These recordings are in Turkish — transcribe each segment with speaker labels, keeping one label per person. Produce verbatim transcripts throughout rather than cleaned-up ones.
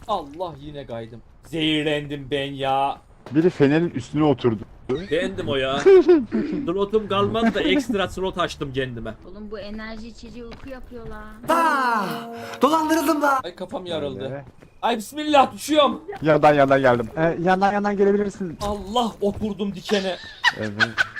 Speaker 1: Allah yine kaydım. Zehirlendim ben ya.
Speaker 2: Biri fenerin üstüne oturdu.
Speaker 1: Bendim o ya. Slotum kalmadı da ekstra slot açtım kendime.
Speaker 3: Oğlum bu enerji içeceği uyku yapıyorlar.
Speaker 4: Dolandırıldım da.
Speaker 1: Ay kafam yarıldı.
Speaker 2: Öyle.
Speaker 1: Ay bismillah düşüyorum.
Speaker 2: Yandan yandan geldim. Ee, yandan yandan gelebilirsin.
Speaker 1: Allah oturdum dikene.
Speaker 2: Evet.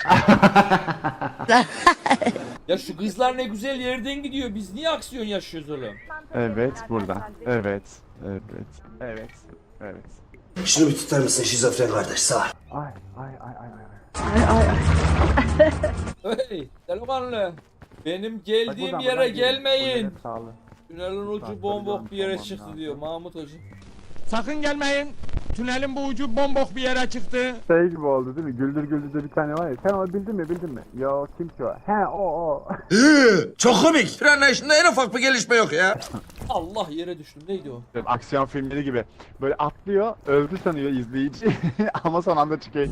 Speaker 1: Ya şu kızlar ne güzel yerden gidiyor. Biz niye aksiyon yaşıyoruz oğlum?
Speaker 2: Evet buradan. Evet. Evet. Evet. Evet.
Speaker 4: Şunu bir tutar mısın şizofren kardeş sağ ol.
Speaker 2: Ay ay ay ay ay.
Speaker 1: Hey delikanlı. Benim
Speaker 2: Bak
Speaker 1: geldiğim
Speaker 2: buradan,
Speaker 1: yere
Speaker 2: buradan
Speaker 1: gelmeyin.
Speaker 2: gelin. Sağlı.
Speaker 1: Tünelin ucu
Speaker 2: Tamam,
Speaker 1: bombok bir yere
Speaker 2: tamam,
Speaker 1: çıktı
Speaker 2: tamam.
Speaker 1: diyor Mahmut Hoca.
Speaker 5: Sakın gelmeyin. Tünelin bu ucu bombok bir yere çıktı.
Speaker 2: Şey gibi oldu değil mi? Güldür Güldür'de bir tane var ya. Sen onu bildin mi bildin mi? Yo kim ki o? He o o.
Speaker 4: Çok komik. Tren anlayışında en ufak bir gelişme yok ya.
Speaker 1: Allah yere düştüm. Neydi o?
Speaker 2: Aksiyon filmleri gibi. Böyle atlıyor, öldü sanıyor izleyici ama son anda çıkıyor.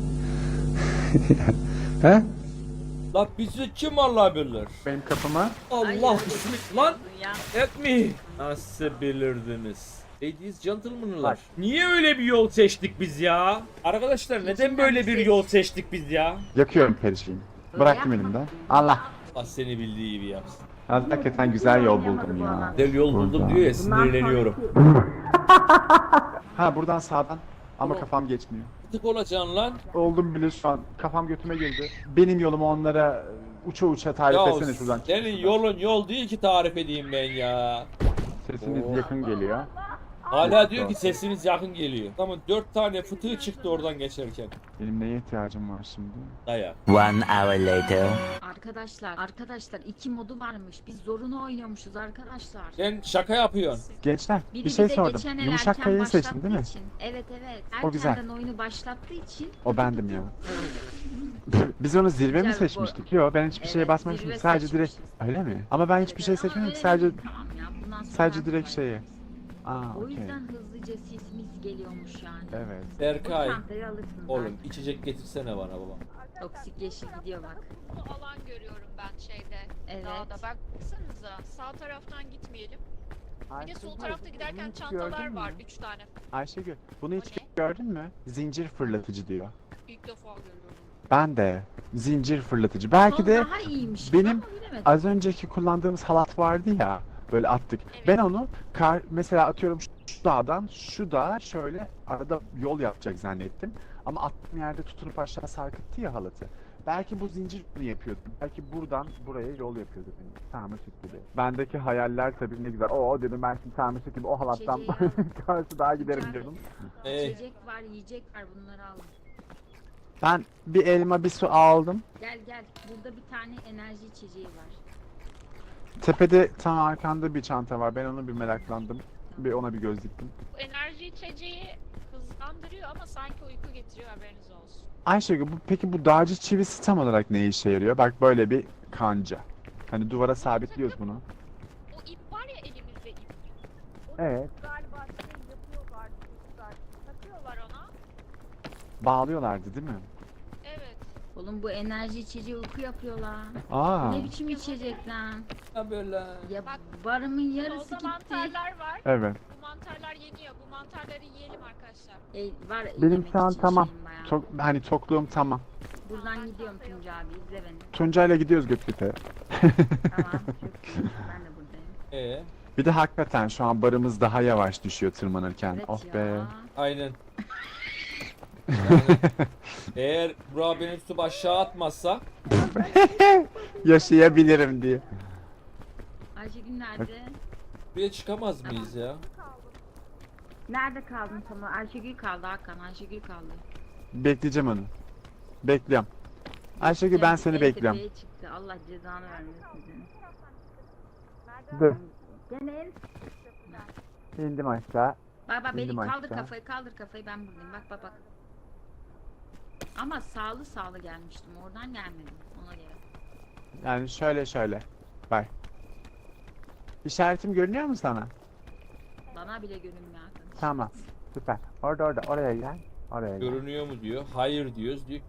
Speaker 2: He?
Speaker 1: La bizi kim Allah bilir?
Speaker 2: Benim kapıma.
Speaker 1: Allah bismillah lan.
Speaker 3: Ya.
Speaker 1: Etmi. Nasıl bilirdiniz? Ladies gentlemen'lar.
Speaker 2: Bak.
Speaker 1: Niye öyle bir yol seçtik biz ya? Arkadaşlar neden böyle bir yol seçtik biz ya?
Speaker 2: Yakıyorum perişeyim. Bıraktım elimden. Allah.
Speaker 1: Allah seni bildiği gibi yapsın.
Speaker 2: Hakikaten güzel yol buldum ya.
Speaker 1: Güzel yol buldum
Speaker 2: Buradan.
Speaker 1: diyor ya sinirleniyorum.
Speaker 2: Ha buradan sağdan. Ama kafam geçmiyor.
Speaker 1: Tık olacaksın lan.
Speaker 2: Oldum bile şu an. Kafam götüme girdi. Benim yolumu onlara uça uça tarif
Speaker 1: Ya
Speaker 2: etsene şuradan.
Speaker 1: senin yolun yol değil ki tarif edeyim ben ya.
Speaker 2: Sesiniz
Speaker 1: Oh.
Speaker 2: yakın geliyor.
Speaker 1: Hala diyor ki sesiniz yakın geliyor. Tamam dört tane fıtığı çıktı oradan geçerken.
Speaker 2: Benim neye ihtiyacım var şimdi?
Speaker 1: Dayak.
Speaker 6: One hour later.
Speaker 3: Arkadaşlar, arkadaşlar iki modu varmış. Biz zorunu oynuyormuşuz arkadaşlar.
Speaker 1: Sen şaka yapıyorsun.
Speaker 2: Gençler
Speaker 3: Biri
Speaker 2: bir şey
Speaker 3: bize
Speaker 2: sordum.
Speaker 3: geçen el
Speaker 2: Yumuşak
Speaker 3: erken
Speaker 2: kayayı seçtin
Speaker 3: başlattığı
Speaker 2: değil mi?
Speaker 3: için. Evet evet.
Speaker 2: O güzel.
Speaker 3: Erkenden oyunu başlattığı için.
Speaker 2: O bendim ya. Biz onu zirve mi
Speaker 3: Güzel bu.
Speaker 2: seçmiştik? Yok ben hiçbir şeye
Speaker 3: Evet,
Speaker 2: basmamıştım.
Speaker 3: zirve
Speaker 2: Sadece direkt
Speaker 3: seçmişiz.
Speaker 2: öyle mi? Ama ben hiçbir şey
Speaker 3: Evet, ama
Speaker 2: seçmedim.
Speaker 3: öyle
Speaker 2: Sadece
Speaker 3: değil. Tamam ya, bundan sonra
Speaker 2: sadece
Speaker 3: artık
Speaker 2: direkt
Speaker 3: var.
Speaker 2: şeyi. Aa
Speaker 3: O
Speaker 2: okey.
Speaker 3: yüzden hızlıca sisimiz geliyormuş yani.
Speaker 2: Evet.
Speaker 3: O
Speaker 1: Berkay.
Speaker 3: çantayı alırsın.
Speaker 1: Oğlum içecek getirsene bana baba.
Speaker 3: Toksik yeşil gidiyor bak.
Speaker 7: Bu alan görüyorum ben şeyde.
Speaker 3: Evet.
Speaker 7: Dağda. Baksanıza sağ taraftan gitmeyelim. Bir de sol tarafta giderken çantalar var. Üç tane.
Speaker 2: Ayşegül bunu hiç
Speaker 7: O ne?
Speaker 2: gördün mü? Zincir fırlatıcı diyor.
Speaker 7: İlk defa görüyorum.
Speaker 2: Ben de. Zincir fırlatıcı. Belki
Speaker 3: Son
Speaker 2: de
Speaker 3: daha iyiymiş.
Speaker 2: benim
Speaker 3: ama bilemedim.
Speaker 2: az önceki kullandığımız halat vardı ya. Böyle attık.
Speaker 7: Evet.
Speaker 2: Ben onu kar, mesela atıyorum şu şu dağdan şu dağa şöyle arada yol yapacak zannettim. Ama attığım yerde tutunup aşağı sarkıttı ya halatı. Belki bu zincir bunu yapıyordu. Belki buradan buraya yol yapıyordu benim. Sarmaşık gibi. Bendeki hayaller tabii ne güzel. Oo dedim ben şimdi sarmaşık gibi o halattan
Speaker 3: İçeceği al.
Speaker 2: karşı dağa giderim
Speaker 3: İçeride
Speaker 2: diyordum.
Speaker 1: Ee,
Speaker 3: İçecek var, yiyecek var, bunları al.
Speaker 2: Ben bir elma bir su aldım.
Speaker 3: Gel gel. Burada bir tane enerji içeceği var.
Speaker 2: Tepede tam arkanda bir çanta var. Ben onu bir meraklandım. Bir ona bir göz diktim.
Speaker 7: Bu enerji içeceği hızlandırıyor ama sanki uyku getiriyor, haberiniz olsun.
Speaker 2: Ayşegül bu, peki bu dağcı çivisi tam olarak ne işe yarıyor? Bak böyle bir kanca. Hani duvara sabitliyoruz bunu.
Speaker 7: O ip var ya, elimizde ip.
Speaker 2: Evet.
Speaker 7: Galiba şey yapıyorlar, çocuklar. Takıyorlar ona.
Speaker 2: Bağlıyorlardı değil mi?
Speaker 7: Evet.
Speaker 3: Oğlum bu enerji içeceği uyku yapıyorlar.
Speaker 2: Aa.
Speaker 3: Ne biçim içecek lan?
Speaker 1: ha böyle.
Speaker 3: Ya
Speaker 7: Bak,
Speaker 3: barımın yarısı
Speaker 7: Solda
Speaker 3: gitti.
Speaker 7: mantarlar var.
Speaker 2: Evet.
Speaker 7: Bu mantarlar yeniyor. Bu mantarları yiyelim arkadaşlar.
Speaker 3: E, var
Speaker 2: Benim
Speaker 3: yemek
Speaker 2: şu an
Speaker 3: için
Speaker 2: tamam.
Speaker 3: şeyim bayağı.
Speaker 2: Çok hani tokluğum tamam.
Speaker 3: Buradan gidiyorum Tunca abi, izle beni.
Speaker 2: Tuncay'la gidiyoruz Göktepe'ye.
Speaker 3: Tamam, çok iyi. Ben de buradayım.
Speaker 1: Ee,
Speaker 2: Bir de hakikaten şu an barımız daha yavaş düşüyor tırmanırken.
Speaker 3: Evet
Speaker 2: of
Speaker 3: ya.
Speaker 2: be.
Speaker 1: aynen. Yani, eğer Burak beni tutup aşağı atmazsa
Speaker 2: Yaşayabilirim diye.
Speaker 3: Ayşegül nerede?
Speaker 1: buraya çıkamaz mıyız ya?
Speaker 3: Nerede kaldın tam? Ayşegül kaldı Hakan, Ayşegül kaldı.
Speaker 2: Bekleyeceğim onu. Bekliyorum. Ayşegül ben
Speaker 3: Cem,
Speaker 2: seni
Speaker 3: en
Speaker 2: bekliyorum.
Speaker 3: tepeye çıktı. Allah cezanı vermesin seni.
Speaker 2: Dur.
Speaker 3: Gene en...
Speaker 2: İndim aşağı.
Speaker 3: Bak bak beni
Speaker 2: İndim
Speaker 3: kaldır
Speaker 2: aşağı.
Speaker 3: kafayı, kaldır kafayı, ben buradayım. Bak bak bak. Ama sağlı sağlı gelmiştim. Oradan gelmedim. Ona göre.
Speaker 2: Yani şöyle şöyle. Bak. İşaretim görünüyor mu sana?
Speaker 3: Bana bile görünmüyor Hakan.
Speaker 2: Tamam. Süper. Orada orada oraya gel. Oraya gel.
Speaker 1: Görünüyor mu diyor. Hayır diyoruz diyor.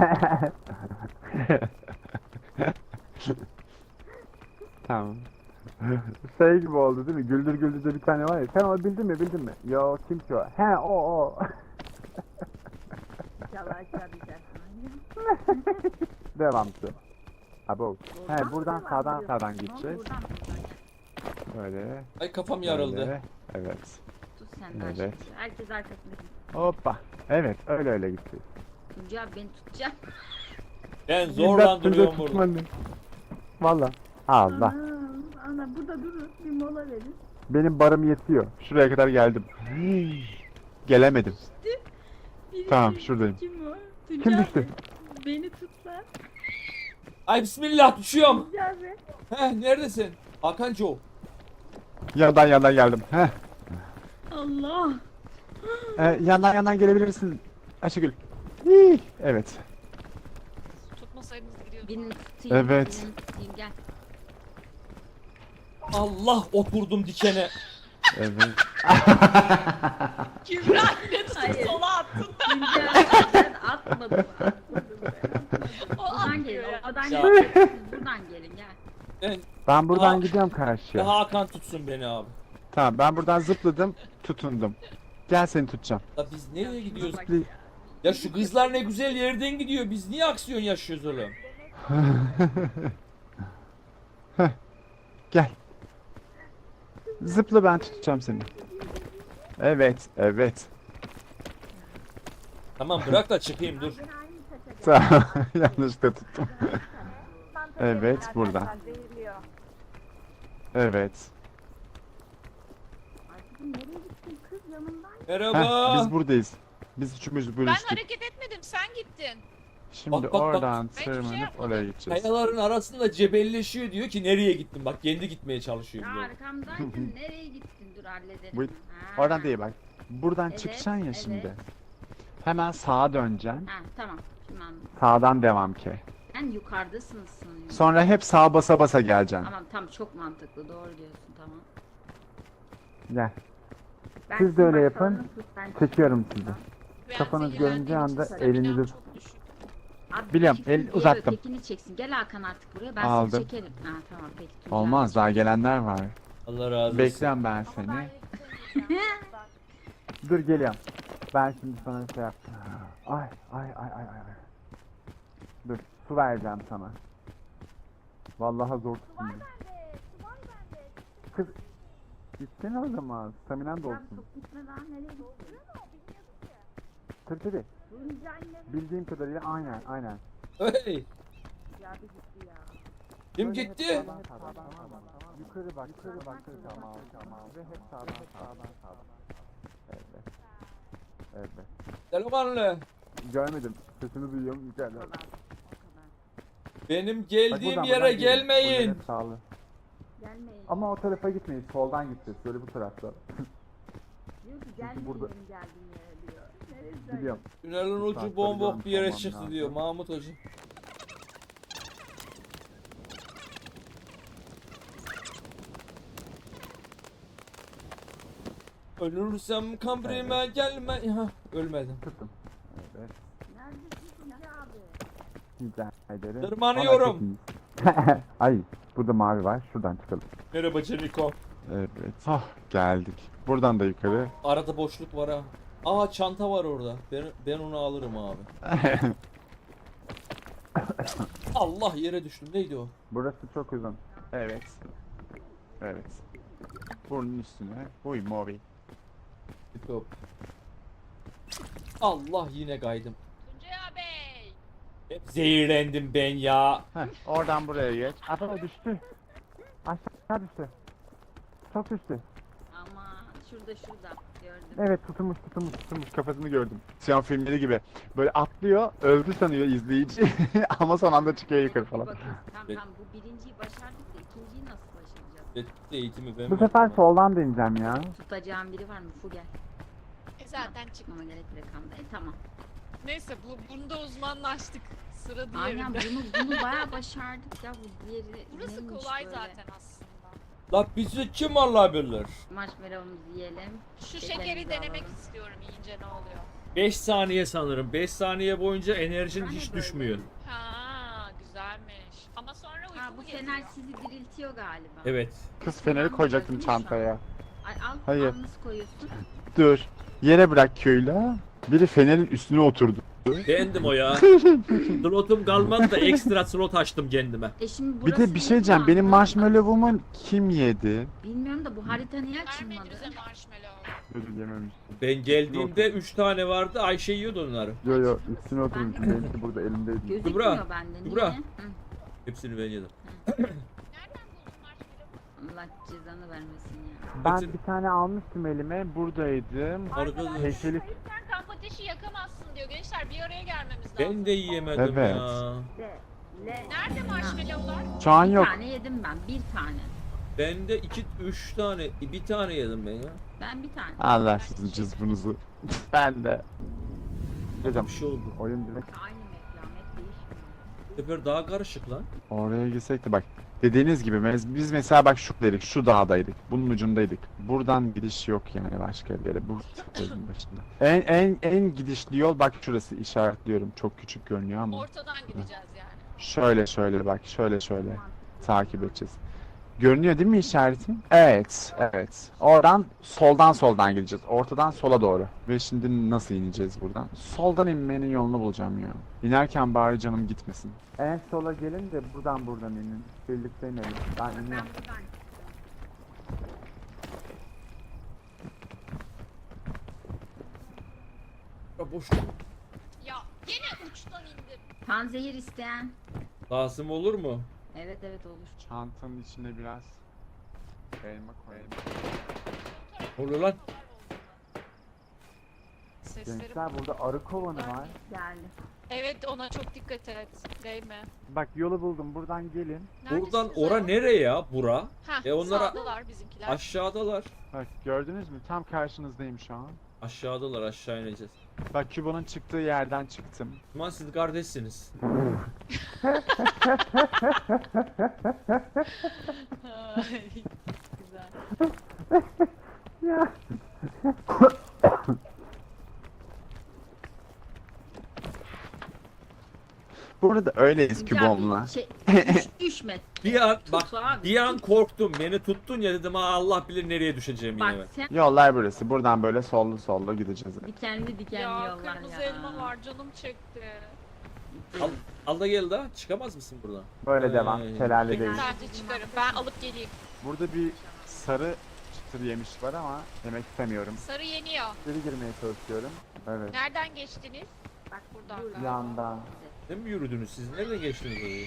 Speaker 2: Tamam. Şey gibi oldu değil mi? Güldür Güldür'de bir tane var ya. Sen onu bildin mi bildin mi? Yo kim ki o? He o o.
Speaker 3: İnşallah aşağı düşersin.
Speaker 2: Devamlı. Abo. He
Speaker 3: Buradan
Speaker 2: buradan
Speaker 3: mı
Speaker 2: sağdan
Speaker 3: devam
Speaker 2: sağdan
Speaker 3: ediyorsun?
Speaker 2: gideceğiz.
Speaker 3: Buradan buradan.
Speaker 2: Böyle.
Speaker 1: Ay kafam yarıldı.
Speaker 2: Böyle. Evet.
Speaker 3: Tut sen de
Speaker 2: Evet.
Speaker 3: aşağı. Herkes arkasında.
Speaker 2: Hoppa. Evet öyle öyle gitti.
Speaker 3: Tuncay abi beni tutacak.
Speaker 1: Ben zorla duruyorum burada.
Speaker 2: Valla. Allah.
Speaker 3: Ana, ana burada durun. Bir mola verin.
Speaker 2: Benim barım yetiyor. Şuraya kadar geldim. Gelemedim.
Speaker 3: Biri
Speaker 2: Tamam,
Speaker 3: kim-
Speaker 2: şuradayım.
Speaker 3: Kim o?
Speaker 2: Kim
Speaker 3: Tuncay
Speaker 2: düştü?
Speaker 3: abi, beni tut lan.
Speaker 1: Ay bismillah düşüyorum.
Speaker 3: Tuncay abi.
Speaker 1: Heh neredesin? Hakan Joe.
Speaker 2: Yandan yandan geldim. Heh.
Speaker 3: Allah.
Speaker 2: Ee, yandan yandan gelebilirsin. Ayşegül. Hii. Evet.
Speaker 7: Tutmasaydınız gidiyordum.
Speaker 3: Birini tutayım.
Speaker 2: Evet.
Speaker 3: Birini tutayım gel.
Speaker 1: Allah oturdum dikene.
Speaker 2: Evet.
Speaker 7: Kübra yine tutup
Speaker 3: Hayır.
Speaker 7: sola attın.
Speaker 3: Tuncay abi ben atmadım. Atmadım ben.
Speaker 7: O
Speaker 3: Buradan gelin.
Speaker 7: atmıyor ya.
Speaker 3: Oradan
Speaker 1: Ya.
Speaker 3: gelin. Siz buradan gelin gel.
Speaker 1: Ben,
Speaker 2: Ben buradan
Speaker 1: Aa.
Speaker 2: gidiyorum karşıya.
Speaker 1: Hakan tutsun beni abi.
Speaker 2: Tamam ben buradan zıpladım. Tutundum. Gel seni tutacağım.
Speaker 1: La biz nereye gidiyoruz?
Speaker 3: Bak
Speaker 2: Zıpli-
Speaker 1: Ya şu kızlar ne güzel yerden gidiyor. Biz niye aksiyon yaşıyoruz oğlum?
Speaker 2: Heh. Gel. Zıpla ben tutacağım seni. Evet, evet.
Speaker 1: Tamam bırak da çıkayım dur.
Speaker 2: Tamam. Yanlışlıkla tuttum. Evet, buradan. Evet.
Speaker 3: Ay kızım nereye gittin kız yanımdan?
Speaker 1: Merhaba.
Speaker 2: Heh, biz buradayız. Biz üçümüz
Speaker 7: Ben
Speaker 2: bölüştük.
Speaker 7: hareket etmedim sen gittin.
Speaker 2: Şimdi
Speaker 1: Bak, bak, bak.
Speaker 2: oradan
Speaker 7: Ben hiçbir şey
Speaker 2: tırmanıp
Speaker 7: yapmadım.
Speaker 2: oraya gideceğiz.
Speaker 1: Kayaların arasında cebelleşiyor diyor ki nereye gittin? Bak kendi gitmeye çalışıyor.
Speaker 3: Ya
Speaker 1: diyor.
Speaker 3: arkamdaydın nereye gittin dur halledelim.
Speaker 2: Bu-
Speaker 3: Ha.
Speaker 2: Oradan değil bak. Buradan
Speaker 3: Evet,
Speaker 2: çıkacaksın ya
Speaker 3: evet.
Speaker 2: şimdi. Hemen sağa döneceksin.
Speaker 3: Ha tamam şimdi anladım.
Speaker 2: Sağdan devam ki.
Speaker 3: Sen yukarıdasınız sanıyorum.
Speaker 2: Sonra hep sağa basa basa geleceksin.
Speaker 3: Tamam tamam çok mantıklı doğru diyorsun tamam.
Speaker 2: Gel.
Speaker 3: Ben
Speaker 2: Siz de öyle
Speaker 3: bak,
Speaker 2: yapın.
Speaker 3: salonu tut, ben
Speaker 2: Çekiyorum sizi.
Speaker 7: Ben
Speaker 2: Kafanız
Speaker 7: zehirlendiğim
Speaker 2: göründüğü
Speaker 7: için
Speaker 2: anda
Speaker 7: staminam
Speaker 2: elinizi-
Speaker 7: çok düşük.
Speaker 3: Abi,
Speaker 2: Biliyorum,
Speaker 3: bir
Speaker 2: el
Speaker 3: diğer
Speaker 2: uzattım.
Speaker 3: Ötekini çeksin. Gel Hakan artık buraya ben
Speaker 2: Aldım.
Speaker 3: seni çekerim. Ha tamam peki. Tuncay.
Speaker 2: Olmaz daha gelenler var.
Speaker 1: Allah razı olsun.
Speaker 2: Bekleyen ben seni. Dur geliyorum. Ben şimdi sana şey yap. Ay ay ay ay ay. Dur su vereceğim sana. Vallahi zor tutun. Kız gitsene o zaman. Staminan da
Speaker 3: Lan
Speaker 2: olsun.
Speaker 3: çok gitme lan nereye gittin?
Speaker 2: Tabii tabii.
Speaker 3: Tuncay ne?
Speaker 2: Bildiğim kadarıyla aynen aynen.
Speaker 1: Hey,
Speaker 3: Ya bir gitti ya.
Speaker 1: kim
Speaker 2: Böyle hep
Speaker 1: gitti?
Speaker 2: sağdan, sağdan, sağdan. Yukarı bak, yukarı bak, tamam, tamam. Ve hep sağdan, sağdan, sağdan. Evet. Evet.
Speaker 1: Delikanlı.
Speaker 2: Görmedim. Sesini duyuyorum yukarıdan.
Speaker 3: O kadar.
Speaker 1: Benim
Speaker 2: Bak
Speaker 1: geldiğim
Speaker 2: buradan,
Speaker 1: yere
Speaker 2: buradan gelin. Buradan
Speaker 1: gelmeyin.
Speaker 2: hep sağlı.
Speaker 3: Gelmeyin.
Speaker 2: Ama o tarafa gitmeyin. Soldan gideceğiz. Böyle bu tarafta.
Speaker 3: Diyor ki gelmeyin
Speaker 2: burada-
Speaker 3: benim geldiğim yere diyor. Neresi?
Speaker 2: Biliyorum.
Speaker 1: Tünelin ucu
Speaker 2: Saatleri
Speaker 1: bombok bir yere
Speaker 2: görmüş
Speaker 1: çıktı
Speaker 2: olmam
Speaker 1: diyor
Speaker 2: lazım.
Speaker 1: Mahmut Hoca. Ölürsem kabrime gelme. Ha, ölmedim.
Speaker 2: Tuttum. Evet.
Speaker 3: Neredesin Tuncay abi?
Speaker 2: Rica ederim.
Speaker 1: Tırmanıyorum.
Speaker 2: Vallahi çok iyi. Ay. Burada mavi var. Şuradan çıkalım.
Speaker 1: Merhaba Çeliko.
Speaker 2: Evet. Ah geldik. Buradan da yukarı.
Speaker 1: Arada boşluk var ha. Aa çanta var orada. Ben, ben onu alırım abi. Allah yere düştüm. Neydi o?
Speaker 2: Burası çok uzun. Evet. Evet. Burnun üstüne. Huy mavi.
Speaker 1: Hop. Allah yine kaydım.
Speaker 7: Tuncay abi.
Speaker 1: Hep zehirlendim ben ya.
Speaker 2: Heh, oradan buraya geç. Ata düştü. Aşağı düştü. Çok düştü.
Speaker 3: Ama şurada şurada gördüm.
Speaker 2: Evet tutulmuş tutulmuş tutulmuş kafasını gördüm. Siyan filmleri gibi. Böyle atlıyor, öldü sanıyor izleyici ama son anda çıkıyor yukarı falan.
Speaker 3: Bakın tamam
Speaker 1: Evet.
Speaker 3: tamam bu birinciyi başardık da ikinciyi nasıl başaracağız?
Speaker 1: Etkili eğitimi ben
Speaker 2: Bu sefer soldan deneyeceğim ya.
Speaker 3: Tutacağım biri var mı? Fu gel.
Speaker 7: E zaten çıktı.
Speaker 3: Ama gerek rakamda. E tamam.
Speaker 7: Neyse bu, bunda uzmanlaştık. Sıra
Speaker 3: Aynen
Speaker 7: diğerinde.
Speaker 3: bunu bunu bayağı başardık ya bu diğeri.
Speaker 7: Burası
Speaker 3: neymiş
Speaker 7: kolay
Speaker 3: böyle?
Speaker 7: zaten aslında.
Speaker 1: La bizi kim alabilir?
Speaker 3: Marshmallow'umuzu yiyelim.
Speaker 7: Şu
Speaker 3: Şekerimizi
Speaker 7: şekeri denemek
Speaker 3: alalım.
Speaker 7: istiyorum yiyince ne oluyor.
Speaker 1: beş saniye sanırım. beş saniye boyunca enerjin
Speaker 3: Hani
Speaker 1: hiç
Speaker 3: böyle?
Speaker 1: düşmüyor.
Speaker 7: Ha güzelmiş. Ama sonra uykuya
Speaker 3: Ya bu fener sizi diriltiyor galiba.
Speaker 1: Evet.
Speaker 2: Kız feneri koyacaktım çantaya.
Speaker 3: Ay al,
Speaker 2: Hayır.
Speaker 3: al nasıl koyuyorsun?
Speaker 2: Dur. Yere bırak köylü. Biri fenerin üstüne oturdu.
Speaker 1: Beğendim o ya. Slotum kalmadı da ekstra slot açtım kendime.
Speaker 3: E şimdi
Speaker 2: Bir
Speaker 3: burası
Speaker 2: de bir şey diyeceğim.
Speaker 3: mutlu
Speaker 2: Benim
Speaker 3: anladın mı?
Speaker 2: marshmallow'umu kim yedi?
Speaker 3: Bilmiyorum da bu harita niye açılmadı?
Speaker 7: Vermedi bize marshmallow.
Speaker 2: Ödül yememiş.
Speaker 1: Ben geldiğimde üç tane vardı. Ayşe yiyordu onları.
Speaker 2: Yo yo üstüne oturmuş. Benimki burada elimdeydi.
Speaker 3: Gözükmüyor
Speaker 1: Kübra,
Speaker 3: bende. Niye?
Speaker 1: Kübra.
Speaker 3: Hı.
Speaker 1: Hepsini ben yedim.
Speaker 7: Nereden buldun marshmallow?
Speaker 3: Allah cezanı vermesin ya.
Speaker 2: Ben
Speaker 1: Hepsini-
Speaker 2: bir tane almıştım elime. Buradaydım.
Speaker 1: Arkadaş.
Speaker 2: Heykeli
Speaker 7: Sen kamp ateşi yakamazsın diyor. Gençler bir araya gelmemiz lazım.
Speaker 1: Ben de yiyemedim
Speaker 2: Evet.
Speaker 1: ya.
Speaker 7: Nerede marshmallowlar?
Speaker 2: şu an
Speaker 3: Bir
Speaker 2: yok.
Speaker 3: tane yedim ben. Bir tane.
Speaker 1: Ben de iki, üç tane, bir tane yedim ben ya.
Speaker 3: Ben bir tane.
Speaker 2: Allah sizin cızbınızı. Ben de. Hocam
Speaker 1: Bir şey oldu.
Speaker 2: oyun direkt
Speaker 3: Aynı meklamet değişmiyor.
Speaker 1: Bu sefer daha karışık lan.
Speaker 2: oraya gitsek de bak. Dediğiniz gibi mes- biz mesela bak şuradaydık, şu dağdaydık, bunun ucundaydık. Buradan gidiş yok yani başka bir yere. Bu sözün başında. En en en gidişli yol bak şurası işaretliyorum. Çok küçük görünüyor ama.
Speaker 7: Ortadan gideceğiz yani.
Speaker 2: Şöyle şöyle bak, şöyle şöyle takip edeceğiz. Görünüyor değil mi işaretim? Evet, evet. Oradan soldan soldan gideceğiz. Ortadan sola doğru. Ve şimdi nasıl ineceğiz buradan? Soldan inmenin yolunu bulacağım ya. İnerken bari canım gitmesin. En sola gelin de buradan buradan inin. Birlikte inelim. Ben
Speaker 3: Ben
Speaker 2: iniyorum.
Speaker 3: buradan
Speaker 1: Ya boş.
Speaker 7: Ya yine uçtan indim.
Speaker 3: panzehir isteyen.
Speaker 1: Lazım olur mu?
Speaker 3: Evet evet olur.
Speaker 2: Çantanın içine biraz elma koyayım.
Speaker 1: Ne oluyor lan?
Speaker 7: Sesleri.
Speaker 2: Gençler burada arı kovanı var.
Speaker 3: Geldi.
Speaker 7: Evet ona çok dikkat et. Değme.
Speaker 2: Bak yolu buldum. Buradan gelin.
Speaker 1: Buradan
Speaker 7: Neredesiniz
Speaker 1: ora
Speaker 7: ya?
Speaker 1: nereye ya? Bura.
Speaker 7: Heh,
Speaker 1: E onlara-
Speaker 7: sağdalar bizimkiler.
Speaker 1: Aşağıdalar.
Speaker 2: Bak gördünüz mü? Tam karşınızdayım şu an.
Speaker 1: Aşağıdalar, aşağı ineceğiz.
Speaker 2: Bak Küba'nın çıktığı yerden çıktım.
Speaker 1: Aman siz kardeşsiniz.
Speaker 7: Güzel.
Speaker 2: Burada öyleyiz
Speaker 3: Ya
Speaker 2: Kübom'la.
Speaker 3: bir Şey, düş, düşme.
Speaker 1: Bir an bak
Speaker 3: Tut abi,
Speaker 1: bir an
Speaker 3: tut.
Speaker 1: korktum. Beni tuttun ya dedim ha Allah bilir nereye düşeceğim yine ben.
Speaker 3: Bak sen
Speaker 2: Yollar burası. Buradan böyle sollu sollu gideceğiz.
Speaker 3: dikenli dikenli
Speaker 7: Ya
Speaker 3: yollar
Speaker 7: kırmızı
Speaker 3: ya.
Speaker 7: elma var canım çekti.
Speaker 1: Al, al da gel daha. Çıkamaz mısın buradan?
Speaker 2: Böyle
Speaker 1: Ee,
Speaker 2: devam. Şelale değil.
Speaker 7: Bence çıkarım. Ben alıp geleyim.
Speaker 2: Burada bir sarı çıtır yemiş var ama yemek istemiyorum.
Speaker 7: Sarı yeniyor.
Speaker 2: Geri girmeye çalışıyorum. Evet.
Speaker 7: Nereden geçtiniz?
Speaker 3: Bak
Speaker 7: Buradan
Speaker 3: dur.
Speaker 7: galiba.
Speaker 2: Yandan.
Speaker 1: Ne mi yürüdünüz siz? Nereden geçtiniz orayı?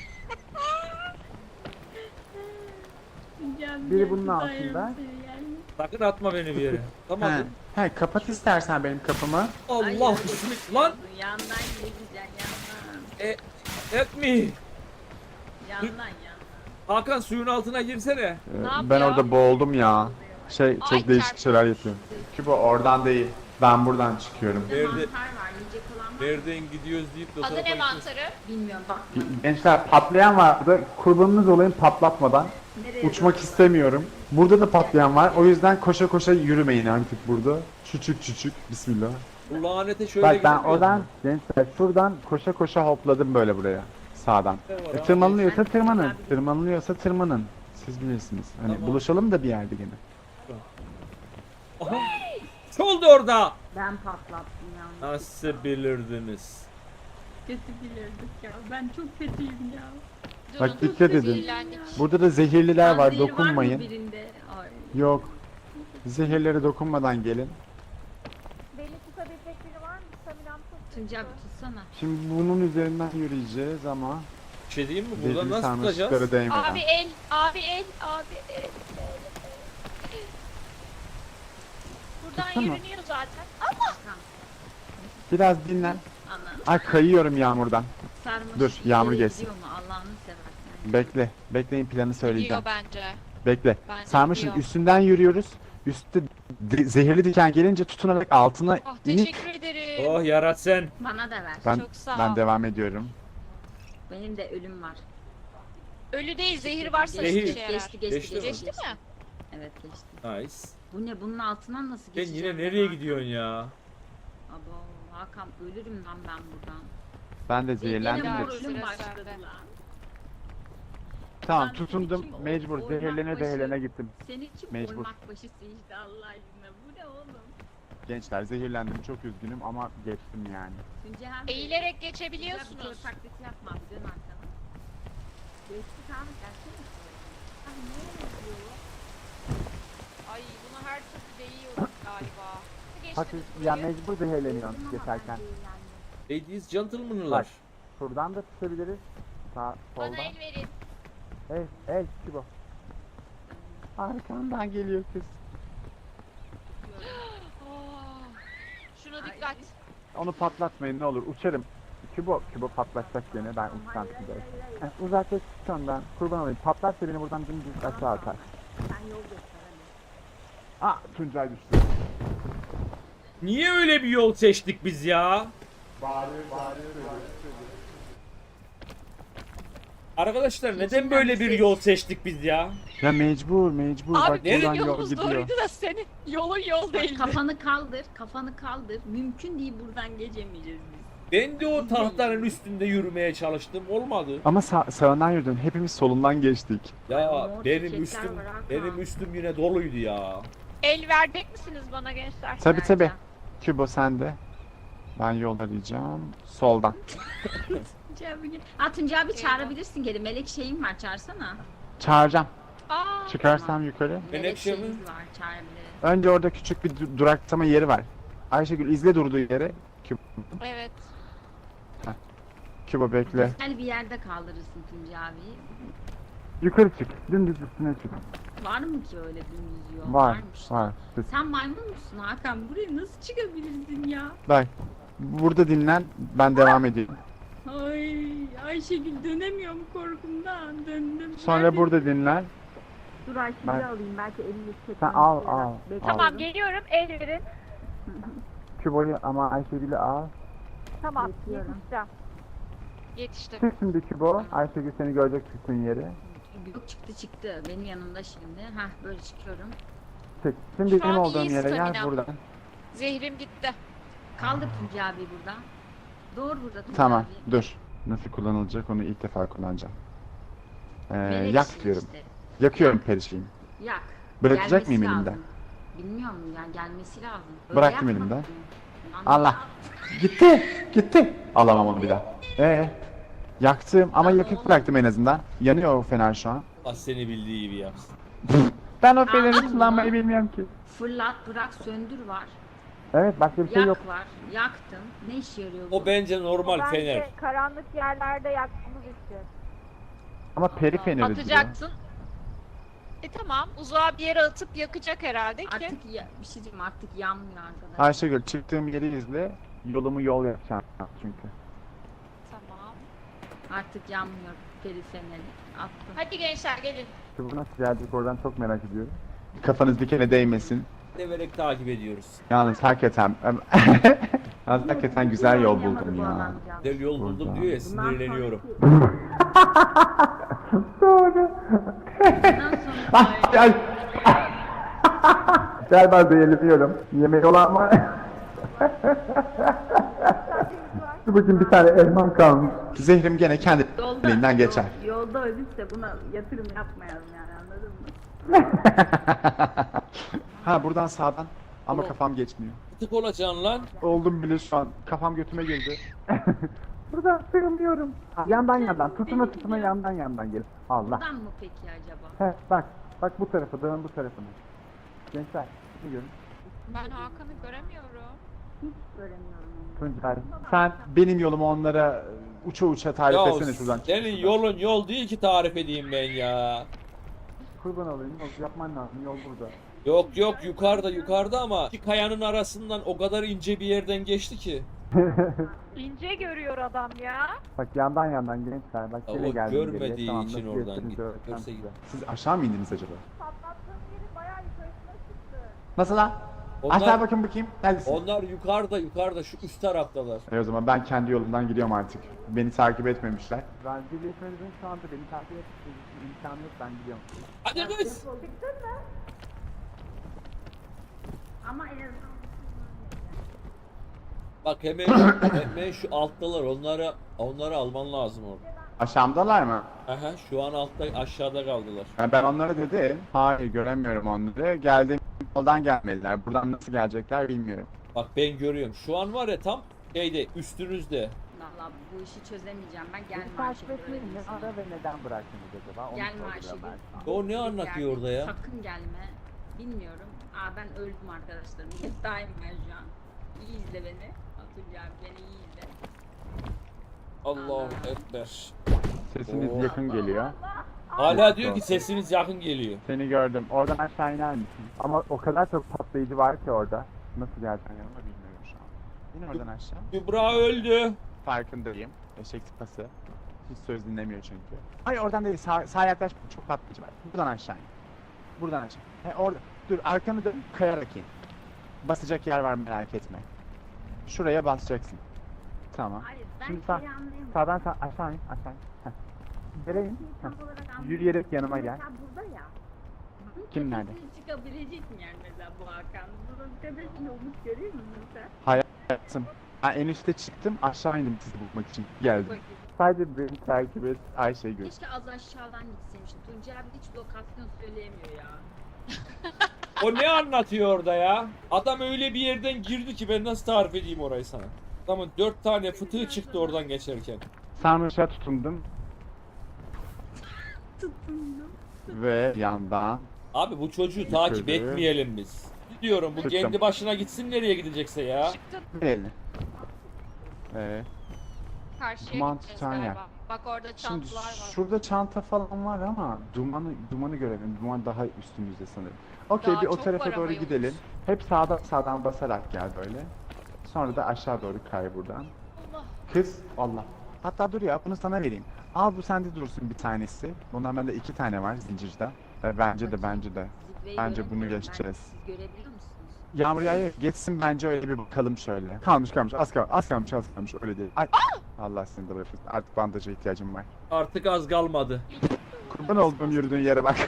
Speaker 2: Biri bunun altında.
Speaker 1: Sakın atma beni bir yere. Tamam.
Speaker 2: He. He, kapat istersen benim kapımı.
Speaker 1: Allah bismillah. Lan
Speaker 3: Yandan gideceksin yandan.
Speaker 1: e, etme.
Speaker 3: Yandan yandan.
Speaker 1: Hakan suyun altına girsene.
Speaker 2: Ee,
Speaker 7: yapıyor?
Speaker 2: ben orada boğuldum ya. Şey çok
Speaker 7: Ay,
Speaker 2: değişik
Speaker 7: çarptı.
Speaker 2: şeyler yapıyor. Kübo oradan değil. Ben buradan çıkıyorum.
Speaker 3: Bir de
Speaker 1: Nerede-
Speaker 3: mantar var yiyecek olan var.
Speaker 1: Nereden gidiyoruz deyip de o
Speaker 7: Adı
Speaker 1: tarafa
Speaker 7: ne
Speaker 1: gidiyoruz.
Speaker 7: mantarı?
Speaker 3: Bilmiyorum bak.
Speaker 2: Gençler patlayan vardı. Kurbanınız olayım patlatmadan.
Speaker 3: Nereye
Speaker 2: Uçmak istemiyorum. Burada da patlayan var. O yüzden koşa koşa yürümeyin artık burada. Küçük küçük. Bismillah.
Speaker 1: Bu lanete şöyle
Speaker 2: Bak ben
Speaker 1: gidemiyoruz
Speaker 2: oradan
Speaker 1: mu?
Speaker 2: gençler şuradan koşa koşa hopladım böyle buraya. Sağdan.
Speaker 1: Ne var
Speaker 2: E,
Speaker 1: abi?
Speaker 2: tırmanılıyorsa
Speaker 3: Ben-
Speaker 2: tırmanın.
Speaker 3: Ben-
Speaker 2: Tırmanılıyorsa tırmanın. Siz bilirsiniz. Hani
Speaker 1: Tamam.
Speaker 2: buluşalım da bir yerde gene.
Speaker 1: Aha. Ne oldu orada?
Speaker 3: Ben patlattım ya.
Speaker 1: Nasıl bilirdiniz?
Speaker 3: Kötü bilirdik ya. Ben çok kötüyüm ya.
Speaker 2: Bak
Speaker 7: Durun,
Speaker 2: dikkat edin.
Speaker 7: zehirlendik.
Speaker 2: Burada da zehirliler var.
Speaker 3: Panzehir mı
Speaker 2: Dokunmayın.
Speaker 3: birinde? Ay.
Speaker 2: Yok. Zehirlere dokunmadan gelin.
Speaker 6: Beni tutabilecek biri var mı? Staminam çok
Speaker 3: Tuncay
Speaker 6: kötü.
Speaker 3: bir tutsana.
Speaker 2: Şimdi bunun üzerinden yürüyeceğiz ama
Speaker 1: Bir şey diyeyim mi? Buradan
Speaker 2: zehirli
Speaker 1: nasıl tutacağız?
Speaker 2: sarmaşıklara değmeden.
Speaker 7: Abi el, abi el, abi el. el. Buradan
Speaker 2: Tutsana.
Speaker 7: yürünüyor zaten.
Speaker 2: Biraz dinlen.
Speaker 3: Ana.
Speaker 2: Ay kayıyorum yağmurdan.
Speaker 3: Sarmaşık
Speaker 2: Dur, yağmur
Speaker 3: ileriye
Speaker 2: geçsin.
Speaker 3: gidiyor mu? Allah'ını seversen.
Speaker 2: Bekle. Bekleyin planı söyleyeceğim.
Speaker 7: Gidiyor bence.
Speaker 2: Bekle.
Speaker 7: Bence
Speaker 2: Sarmaşın
Speaker 7: gidiyor.
Speaker 2: üstünden yürüyoruz. Üstte di- zehirli diken gelince tutunarak altına
Speaker 7: Ah
Speaker 2: inip
Speaker 7: teşekkür ederim.
Speaker 1: Oh yarat sen.
Speaker 3: Bana da ver.
Speaker 2: ben
Speaker 7: Çok sağ ol.
Speaker 2: ben devam ediyorum.
Speaker 3: Benim de ölüm var.
Speaker 7: Ölü değil, zehir varsa
Speaker 1: Zehir.
Speaker 7: işe yarar.
Speaker 3: Geçti geçti
Speaker 1: Geçti
Speaker 3: geçti.
Speaker 1: mi?
Speaker 7: Geçti mi?
Speaker 3: Evet geçti.
Speaker 1: Nice.
Speaker 3: Bu ne? Bunun altından nasıl
Speaker 1: Sen
Speaker 3: geçeceğim?
Speaker 1: yine
Speaker 3: ben
Speaker 1: nereye
Speaker 3: Hakan?
Speaker 1: gidiyorsun ya?
Speaker 3: Abo Hakan ölürüm lan ben buradan.
Speaker 2: Ben de
Speaker 3: Yine
Speaker 2: zehirlendim
Speaker 7: Ya,
Speaker 2: de.
Speaker 3: mor ölüm
Speaker 7: sıra
Speaker 3: başladı
Speaker 7: sende.
Speaker 3: lan.
Speaker 2: Tamam
Speaker 3: Ben
Speaker 2: tutundum
Speaker 3: kim o-
Speaker 2: mecbur
Speaker 3: orman
Speaker 2: zehirlene
Speaker 3: başı-
Speaker 2: zehirlene gittim.
Speaker 3: Senin kim
Speaker 2: Mecbur.
Speaker 3: ormak başısı işte Allah aşkına. Bu ne oğlum?
Speaker 2: Gençler zehirlendim çok üzgünüm ama geçtim yani.
Speaker 3: Tuncay abi.
Speaker 7: Eğilerek
Speaker 3: Güzel bir
Speaker 7: geçebiliyorsunuz.
Speaker 3: kör taklidi yapma abi dön arkana. Geçtik abi gelsene. Abi ne oluyor?
Speaker 7: Ay bunu her türlü değiyorum galiba.
Speaker 2: Hadi
Speaker 7: Geçtiniz
Speaker 2: ya
Speaker 7: burayı.
Speaker 2: mecbur zehirleniyorsun geçerken.
Speaker 1: Ladies, gentlemen'lar.
Speaker 2: Şuradan da tutabiliriz. Sağ
Speaker 7: Bana
Speaker 2: soldan.
Speaker 7: el verin.
Speaker 2: El el Kübo. Arkandan geliyor kız.
Speaker 7: Oh. Şuna dikkat.
Speaker 2: Onu patlatmayın ne olur uçarım. Kübo, Kübo patlatacak gene ben uçsam Kübo'ya. Heh, Uzaklaş ondan kurban olayım. Patlarsa beni buradan dümdüz aşağı atar.
Speaker 3: Sen yol göster hadi.
Speaker 2: Aa Tuncay düştü.
Speaker 1: Niye öyle bir yol seçtik biz ya? Arkadaşlar neden böyle bir yol seçtik biz ya?
Speaker 2: Ya mecbur mecbur bak
Speaker 7: Abi
Speaker 2: buradan
Speaker 7: benim
Speaker 2: yol
Speaker 7: yolumuz
Speaker 2: gidiyor.
Speaker 7: doğruydu da senin yolun yol
Speaker 3: Bak,
Speaker 7: değildi.
Speaker 3: kafanı kaldır, kafanı kaldır. Mümkün değil buradan geçemeyeceğiz biz.
Speaker 1: Ben de o tahtanın üstünde yürümeye çalıştım, olmadı.
Speaker 2: Ama sağ, sağından yürüdün hepimiz solundan geçtik.
Speaker 1: Ya
Speaker 3: Mor
Speaker 1: benim
Speaker 3: çiçekler
Speaker 1: üstüm
Speaker 3: var Hakan.
Speaker 1: benim üstüm yine doluydu ya.
Speaker 7: El verecek misiniz bana gençler?
Speaker 2: Tabi tabi.
Speaker 3: Vereceğim.
Speaker 2: Kübo sende. Ben yol arayacağım. Soldan.
Speaker 3: Tuncay abi, ha Tuncay abi çağırabilirsin geri. Melek şeyim var çağırsana.
Speaker 2: Çağıracağım.
Speaker 7: Aa,
Speaker 2: Çıkarsam yukarı.
Speaker 1: Melek
Speaker 3: Melek
Speaker 1: şey mi?
Speaker 3: şeyimiz var çağırabiliriz.
Speaker 2: Önce orada küçük bir du- duraksama yeri var. Ayşegül izle durduğu yere. Kübo,
Speaker 7: evet.
Speaker 2: Kübo bekle.
Speaker 3: Güzel bir yerde kaldırırsın Tuncay abi.
Speaker 2: Yukarı çık. Dümdüz üstüne çık.
Speaker 3: Var mı ki öyle dümdüz yol?
Speaker 2: Var.
Speaker 3: Varmış.
Speaker 2: Var.
Speaker 3: Sen maymun musun Hakan? Buraya nasıl çıkabilirsin ya?
Speaker 2: Bak. Burada dinlen. Ben devam edeyim.
Speaker 3: Ay Ayşegül dönemiyorum korkumdan döndüm.
Speaker 2: Sonra
Speaker 3: Nerede?
Speaker 2: burada dinlen.
Speaker 3: Dur Ayşegül'ü
Speaker 2: Ben-
Speaker 3: alayım belki elini çekmem.
Speaker 2: Sen al al.
Speaker 7: Tamam
Speaker 2: al.
Speaker 7: geliyorum el verin.
Speaker 2: Kübo'yu ama Ayşegül'ü al.
Speaker 6: Tamam,
Speaker 3: Bekliyorum.
Speaker 6: yetişeceğim.
Speaker 7: Yetiştim.
Speaker 2: Çık şimdi Kübo. Ayşegül seni görecek çıktığın yeri.
Speaker 3: Yok çıktı çıktı benim yanımda şimdi. Hah böyle çıkıyorum.
Speaker 2: Çık. Şimdi
Speaker 7: Şu
Speaker 2: benim
Speaker 7: an
Speaker 2: olduğum
Speaker 7: iyi
Speaker 2: yere gel
Speaker 7: stamina.
Speaker 2: buradan.
Speaker 7: Zehrim gitti.
Speaker 3: Kaldır Tuncay abi burada. Doğru burada Tuncay
Speaker 2: Tamam.
Speaker 3: abi.
Speaker 2: Dur. Nasıl kullanılacak onu ilk defa kullanacağım. Ee,
Speaker 3: Melek
Speaker 2: yak
Speaker 3: şey
Speaker 2: diyorum.
Speaker 3: işte.
Speaker 2: Yakıyorum perişeyim.
Speaker 3: Yak.
Speaker 2: Bırakacak
Speaker 3: Gelmesi
Speaker 2: mıyım
Speaker 3: lazım.
Speaker 2: elimden?
Speaker 3: Bilmiyorum yani gelmesi lazım.
Speaker 2: Bıraktım
Speaker 3: yakma.
Speaker 2: elimden.
Speaker 3: Lan
Speaker 2: Allah. Gitti. Gitti. Alamam onu bir daha. Ee, yaktım ama
Speaker 3: Lan
Speaker 2: yakıp
Speaker 3: oğlum.
Speaker 2: bıraktım en azından. Yanıyor o fener şu an.
Speaker 1: Ah seni bildiği gibi yapsın.
Speaker 2: Ben o feneri
Speaker 3: Anladın mı?
Speaker 2: kullanmayı bilmiyorum ki.
Speaker 3: Fırlat bırak söndür var.
Speaker 2: Evet başka bir şey
Speaker 3: Yak
Speaker 2: yok.
Speaker 3: var. Yaktın. Ne işe yarıyor bu?
Speaker 1: O bence normal
Speaker 6: Bence
Speaker 1: fener.
Speaker 6: karanlık yerlerde yakmamız için.
Speaker 2: Ama peri feneri diyor.
Speaker 7: Atacaksın. E tamam uzağa bir yere atıp yakacak herhalde ki.
Speaker 3: Artık ya, bir şey diyeyim artık yanmıyor arkadaşlar.
Speaker 2: Ayşegül çıktığım yeri izle. Yolumu yol yapacağım çünkü.
Speaker 7: Tamam.
Speaker 3: Artık yanmıyor peri feneri. Attım.
Speaker 7: Hadi gençler gelin.
Speaker 2: Bu nasıl gelecek oradan çok merak ediyorum. Kafanız dikene değmesin.
Speaker 1: Severek takip ediyoruz.
Speaker 2: Yalnız hakikaten Yalnız hakikaten güzel yol
Speaker 3: Oynayamadı
Speaker 2: buldum
Speaker 3: bu
Speaker 2: ya.
Speaker 3: adamcağız.
Speaker 1: Güzel yol buldum
Speaker 2: Burada.
Speaker 1: diyor ya
Speaker 3: Bundan
Speaker 1: sinirleniyorum.
Speaker 2: Doğru.
Speaker 3: Bundan sonra
Speaker 2: Ay, ay. Gel ben zehirleniyorum. Yemeği olan var. Dur bakayım bir tane elmam kalmış. Zehrim gene kendiliğinden geçer.
Speaker 3: yol- Yolda ölürse buna yatırım yapmayalım yani anladın mı?
Speaker 2: Ha buradan sağdan. Ama
Speaker 1: Tamam.
Speaker 2: kafam geçmiyor.
Speaker 1: Tık olacaksın lan.
Speaker 2: Oldum bile şu an. Kafam götüme girdi. Buradan sığınıyorum. Yandan yandan. Tutuna tutuna yandan yandan gel. Allah.
Speaker 3: Buradan mı peki acaba?
Speaker 2: He bak. Bak bu tarafa. Dağın bu tarafına. Gençler. Şunu görün.
Speaker 7: Ben Hakan'ı göremiyorum.
Speaker 3: Hiç göremiyorum onu.
Speaker 2: Tuncay. Sen benim yolumu onlara uça uça tarif
Speaker 1: Ya
Speaker 2: etsene şuradan.
Speaker 1: senin yolun yol değil ki tarif edeyim ben ya.
Speaker 2: Kurban olayım. Yol yapman lazım. Yol burada.
Speaker 1: Yok yok yukarıda yukarıda ama iki kayanın arasından o kadar ince bir yerden geçti ki.
Speaker 6: İnce görüyor adam ya.
Speaker 2: Bak yandan yandan gençler. Bak
Speaker 1: Ya
Speaker 2: yine
Speaker 1: o
Speaker 2: geldim
Speaker 1: görmediği
Speaker 2: geriye. Tamam,
Speaker 1: için
Speaker 2: nasıl
Speaker 1: oradan
Speaker 2: geçtiğinizi
Speaker 1: git-
Speaker 2: öğreteceğim
Speaker 1: görse
Speaker 2: size. Siz aşağı mı indiniz acaba?
Speaker 6: Patlattığım yerin bayağı yukarısına çıktı.
Speaker 2: Nasıl lan? Aşağı
Speaker 1: Onlar,
Speaker 2: bakın bakayım. Neredesin?
Speaker 1: onlar yukarıda yukarıda şu üst taraftalar.
Speaker 2: E o zaman ben kendi yolumdan gidiyorum artık. Beni takip etmemişler. Ben birleşmenizin şu anda beni takip etmeniz imkanı yok ben gidiyorum.
Speaker 1: Hadi kız.
Speaker 3: Ama en azından
Speaker 1: Bak hemen hemen şu alttalar onları onları alman lazım orada.
Speaker 2: Aşağımdalar mı?
Speaker 1: Aha şu an altta aşağıda kaldılar.
Speaker 2: Ha, ben onlara dedim. Hayır göremiyorum onları. Geldiğim yoldan gelmediler. Buradan nasıl gelecekler bilmiyorum.
Speaker 1: Bak ben görüyorum. Şu an var ya tam şeyde üstünüzde.
Speaker 3: Valla bu işi çözemeyeceğim ben.
Speaker 2: Beni
Speaker 3: Gelme
Speaker 2: takip
Speaker 3: Ayşegül öyle
Speaker 2: etmeyin.
Speaker 3: değilsin.
Speaker 2: Ara ve neden bıraktınız acaba? Onu
Speaker 3: Gelme
Speaker 2: sorguluyorum
Speaker 3: Ayşegül.
Speaker 2: ben sana.
Speaker 1: O ne anlatıyor orada ya?
Speaker 3: Sakın gelme. Bilmiyorum. Aa ben öldüm arkadaşlarım. Yatağım ben şu an. İyi izle beni. Atacağım beni iyi izle.
Speaker 1: Allahu Ekber.
Speaker 2: Sesiniz
Speaker 1: Oo.
Speaker 2: yakın geliyor.
Speaker 1: Hala diyor ki sesiniz yakın geliyor.
Speaker 2: Seni gördüm. Oradan aşağı iner misin? Ama o kadar çok patlayıcı var ki orada. Nasıl geleceksin yanıma bilmiyorum şu an. İn oradan aşağı.
Speaker 1: Kübra öldü.
Speaker 2: Farkındayım. Eşek sıpası. Hiç söz dinlemiyor çünkü. Hayır oradan değil. Sağ, sağa yaklaş. Çok patlayıcı var. Buradan aşağı in. Buradan aşağı. He orada. Dur arkanı dön. Kayarak in. Basacak yer var merak etme. Şuraya basacaksın. Tamam.
Speaker 3: Hayır ben
Speaker 2: Şimdi
Speaker 3: şeyi
Speaker 2: sağ-
Speaker 3: anlayamadım.
Speaker 2: Sağdan sağ aşağı in. Aşağı in. Heh. Yere in.
Speaker 3: Şeyi
Speaker 2: Heh.
Speaker 3: tam olarak anlayamadım.
Speaker 2: Yürüyerek yanıma gel.
Speaker 3: Mesela burada ya. Bunun
Speaker 2: Kim nerede?
Speaker 3: tepesine çıkabilecek mi yani mesela bu Hakan? Bunun tepesinde olmuş görüyor musun sen?
Speaker 2: Hayatım. Ben en üste çıktım. Aşağı indim sizi bulmak için. Geldim.
Speaker 3: Bakayım.
Speaker 2: Sadece beni takip et. Ayşe'yi gör.
Speaker 3: Keşke az aşağıdan gitseymişim. Tuncay abi hiç lokasyon söyleyemiyor ya.
Speaker 1: O ne anlatıyor orada ya? Adam öyle bir yerden girdi ki ben nasıl tarif edeyim orayı sana? Adamın dört tane fıtığı çıktı oradan geçerken.
Speaker 2: Sarmaşa tutundum
Speaker 3: Tutundum.
Speaker 2: ve yandan
Speaker 1: Abi bu çocuğu takip
Speaker 2: Şöyle.
Speaker 1: etmeyelim biz. Diyorum bu
Speaker 2: Çıktım.
Speaker 1: kendi başına gitsin nereye gidecekse ya.
Speaker 7: Çıktın.
Speaker 2: elini. Ee,
Speaker 7: Karşıya
Speaker 2: Duman
Speaker 7: gideceğiz
Speaker 2: tutan yer.
Speaker 7: galiba. Bak orada
Speaker 2: şimdi
Speaker 7: çantalar var.
Speaker 2: şurada çanta falan var ama dumanı dumanı görelim. Duman daha üstümüzde sanırım. Okey
Speaker 7: Daha
Speaker 2: bir o
Speaker 7: çok
Speaker 2: tarafa
Speaker 7: var
Speaker 2: doğru
Speaker 7: ama
Speaker 2: gidelim.
Speaker 7: yolumuz.
Speaker 2: Hep sağdan sağdan basarak gel böyle. Sonra da aşağı doğru kay buradan.
Speaker 7: Allah.
Speaker 2: Kız Allah. Hatta dur ya bunu sana vereyim. Al bu sende dursun bir tanesi. Bundan bende iki tane var zincirde. E, bence de bence de.
Speaker 3: Zirveyi
Speaker 2: Bence bunu
Speaker 3: göremiyorum ben.
Speaker 2: geçeceğiz.
Speaker 3: Siz görebiliyor musunuz?
Speaker 2: Yağmur yağıyor. Geçsin bence öyle bir bakalım şöyle. Kalmış kalmış az kalmış az kalmış az kalmış öyle değil. Ay. Allah seni de bırakırsın. Artık bandaja ihtiyacım var.
Speaker 1: Artık az kalmadı.
Speaker 2: Kurban olduğum yürüdüğün yere bak.